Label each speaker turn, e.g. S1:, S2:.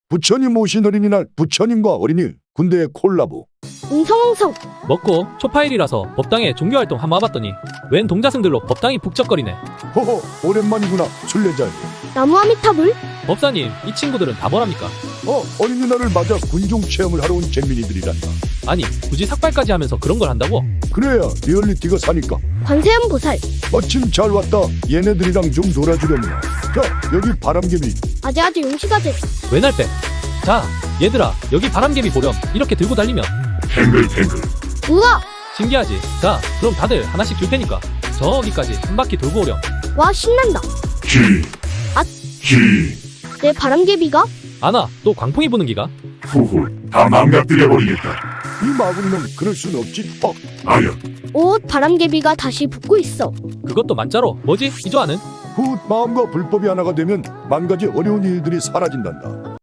S1: 부처님 오신 어린이날 부처님과 어린이 군대의 콜라보.
S2: 웅성웅성.
S3: 먹고 초파일이라서 법당에 종교활동 한번 와봤더니 웬 동자승들로 법당이 북적거리네.
S1: 허허, 오랜만이구나 순례자여.
S2: 나무아미타불.
S3: 법사님, 이 친구들은 다 뭐랍니까?
S1: 어린이날을 맞아 군중 체험을 하러 온 잼민이들이란다.
S3: 아니, 굳이 삭발까지 하면서 그런 걸 한다고?
S1: 그래야 리얼리티가 사니까.
S2: 관세음보살.
S1: 마침 잘 왔다. 얘네들이랑 좀 놀아주려면. 자, 여기 바람개비.
S2: 아재아재 용시가재.
S3: 외날빼. 자, 얘들아, 여기 바람개비 보렴. 이렇게 들고 달리면
S2: 우와.
S3: 신기하지? 자, 그럼 다들 하나씩 줄 테니까 저기까지 한 바퀴 돌고 오렴.
S2: 와 신난다. 내 바람개비가?
S3: 아나, 또 광풍이 부는 기가?
S4: 후후, 다 망가뜨려버리겠다.
S1: 이 마구니는 그럴 순 없지.
S4: 아야,
S2: 오 바람개비가 다시 붙고 있어.
S3: 그것도 만자로. 뭐지? 이조아는?
S1: 후 마음과 불법이 하나가 되면 만 가지 어려운 일들이 사라진단다.